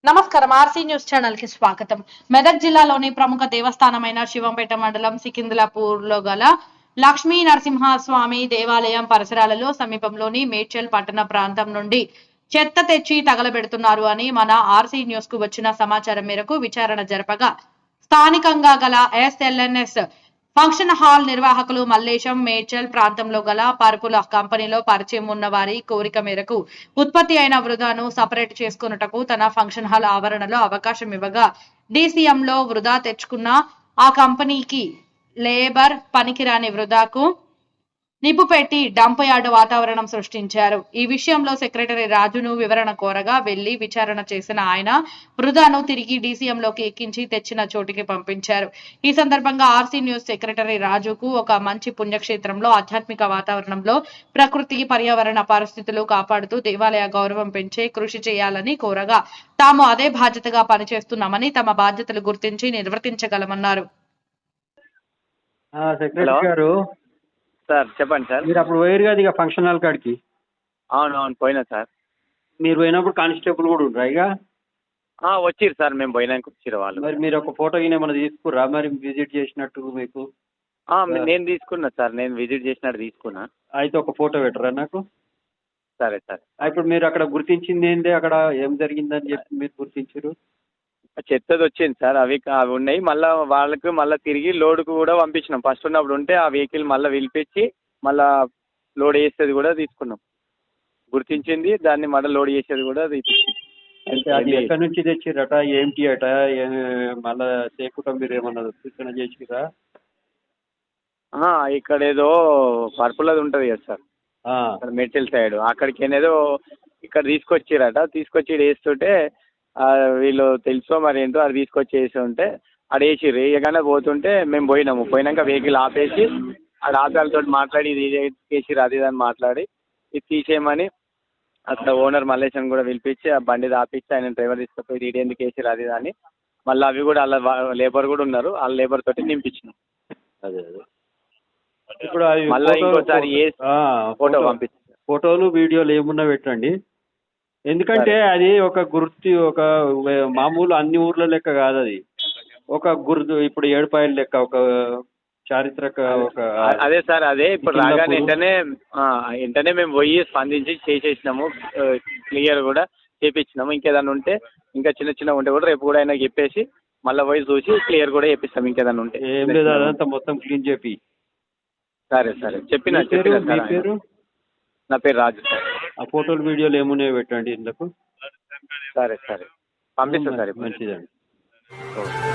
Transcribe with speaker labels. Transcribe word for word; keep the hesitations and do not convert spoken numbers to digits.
Speaker 1: నమస్కారం RC news channel కి స్వాగతం. మెదక్ జిల్లాలోని ప్రముఖ దేవస్థానమైన శివంపేట మండలం సికింద్లాపూర్ లో గల లక్ష్మీ నరసింహస్వామి దేవాలయం పరిసరాలలో సమీపంలోని మేడ్చల్ పట్టణ ప్రాంతం నుండి చెత్త తెచ్చి తగలబెడుతున్నారు అని మన ఆర్సీ న్యూస్ కు వచ్చిన సమాచారం మేరకు విచారణ జరపగా స్థానికంగా గల ఎస్ఎల్ఎన్ఎస్ ఫంక్షన్ హాల్ నిర్వాహకులు మల్లేశం మేడ్చల్ ప్రాంతంలో గల పరుపుల కంపెనీలో పరిచయం ఉన్న వారి కోరిక మేరకు ఉత్పత్తి అయిన వృధాను సపరేట్ చేసుకున్నటకు తన ఫంక్షన్ హాల్ ఆవరణలో అవకాశం ఇవ్వగా డీసీఎంలో వృధా తెచ్చుకున్న ఆ కంపెనీకి లేబర్ పనికిరాని వృధాకు నిప్పు పెట్టి డంప్ యార్డ్ వాతావరణం సృష్టించారు. ఈ విషయంలో సెక్రటరీ రాజును వివరణ కోరగా వెళ్లి విచారణ చేసిన ఆయన వృధాను తిరిగి డీసీఎంలోకి ఎక్కించి తెచ్చిన చోటికి పంపించారు. ఈ సందర్భంగా ఆర్సీ న్యూస్ సెక్రటరీ రాజుకు ఒక మంచి పుణ్యక్షేత్రంలో ఆధ్యాత్మిక వాతావరణంలో ప్రకృతి పర్యావరణ పరిస్థితులు కాపాడుతూ దేవాలయ గౌరవం పెంచే కృషి చేయాలని కోరగా తాము అదే బాధ్యతగా పనిచేస్తున్నామని తమ బాధ్యతలు గుర్తించి నిర్వర్తించగలమన్నారు.
Speaker 2: సార్ చెప్పండి సార్.
Speaker 3: మీరు అప్పుడు పోయారు కదా ఇక ఫంక్షన్ హాల్ కాడికి?
Speaker 2: అవును అవును పోయినా సార్.
Speaker 3: మీరు పోయినప్పుడు కానిస్టేబుల్ కూడా ఉండరా ఇక?
Speaker 2: వచ్చిర్రు సార్, మేము పోయినాక వచ్చిర్రు వాళ్ళు.
Speaker 3: మరి మీరు ఒక ఫోటో గిన ఏమైనా తీసుకుర్రా మరి విజిట్ చేసినట్టు మీకు?
Speaker 2: నేను తీసుకున్నా సార్, నేను విజిట్ చేసినట్టు తీసుకున్నా.
Speaker 3: అయితే ఒక ఫోటో పెట్టరా నాకు?
Speaker 2: సరే సార్.
Speaker 3: ఇప్పుడు మీరు అక్కడ గుర్తించింది ఏంటి, అక్కడ ఏం జరిగిందని చెప్పి మీరు గుర్తించారు?
Speaker 2: చెత్తది వచ్చింది సార్, అవి అవి ఉన్నాయి. మళ్ళీ వాళ్ళకి మళ్ళీ తిరిగి లోడ్కు కూడా పంపించినాం. ఫస్ట్ ఉన్నప్పుడు ఉంటే ఆ వెహికల్ మళ్ళీ పిలిపించి మళ్ళీ లోడ్ చేసేది కూడా తీసుకున్నాం. గుర్తించింది దాన్ని మళ్ళీ లోడ్ చేసేది కూడా తీసుకున్నాం.
Speaker 3: అంటే అది ఎక్కడి నుంచి తెచ్చిరట, ఏంటి అట, మళ్ళీ చేయకుండా మీరు ఏమన్నా సూచన చేసిరా?
Speaker 2: ఇక్కడ ఏదో పర్పులది ఉంటుంది కదా సార్ మెటల్ సైడ్, అక్కడికి ఏదో ఇక్కడ తీసుకొచ్చిరట. తీసుకొచ్చి వేస్తుంటే వీళ్ళు తెలుసో మరి ఏంటో అది తీసుకొచ్చి వేసి ఉంటే అది వేసిర్రు. వేయగానే పోతుంటే మేము పోయినాము. పోయినాక వెహికల్ ఆపేసి అది ఆదాలతో మాట్లాడి ఇది వేసిర్రు అది అని మాట్లాడి ఇది తీసేయమని అసలు ఓనర్ మల్లేశం కూడా పిలిపించి ఆ బండి ఆపించి ఆయన డ్రైవర్ తీసుకుపోయి ఇది ఎందుకు వేసిర్రు అది అని మళ్ళీ అవి కూడా అలా లేబర్ కూడా ఉన్నారు, వాళ్ళ లేబర్ తోటి నింపించినాం.
Speaker 3: అదే అదే ఇప్పుడు
Speaker 2: మళ్ళీ ఇంకోసారి ఫోటో పంపించారు.
Speaker 3: ఫోటోలు వీడియోలు ఏమున్నా పెట్టండి. ఎందుకంటే అది ఒక గుర్తు, ఒక మామూలు అన్ని ఊర్ల లెక్క కాదు, అది ఒక గుర్తు. ఇప్పుడు ఏడుపాయల లెక్క ఒక చారిత్రక ఒక
Speaker 2: అదే సార్. అదే ఇప్పుడు రాగానే వెంటనే వెంటనే మేము పోయి స్పందించి చేసేసినాము, క్లియర్ కూడా చేపించినాము. ఇంకేదన్నా ఉంటే ఇంకా చిన్న చిన్న ఉంటే కూడా రేపు కూడా అయినా చెప్పేసి మళ్ళీ పోయి చూసి క్లియర్ కూడా చేపిస్తాం. ఇంకేదన్నా ఉంటే
Speaker 3: ఏం లేదు, అదంతా మొత్తం క్లీన్ చేపి.
Speaker 2: సరే సరే చెప్పిన చెప్పిన సార్.
Speaker 3: పేరు?
Speaker 2: నా పేరు రాజు సార్.
Speaker 3: ఆ ఫోటోలు వీడియోలు ఏమున్నాయో పెట్టండి ఇందుకు.
Speaker 2: సరే సరే పంపిస్తాను సార్.
Speaker 3: మంచిదండి.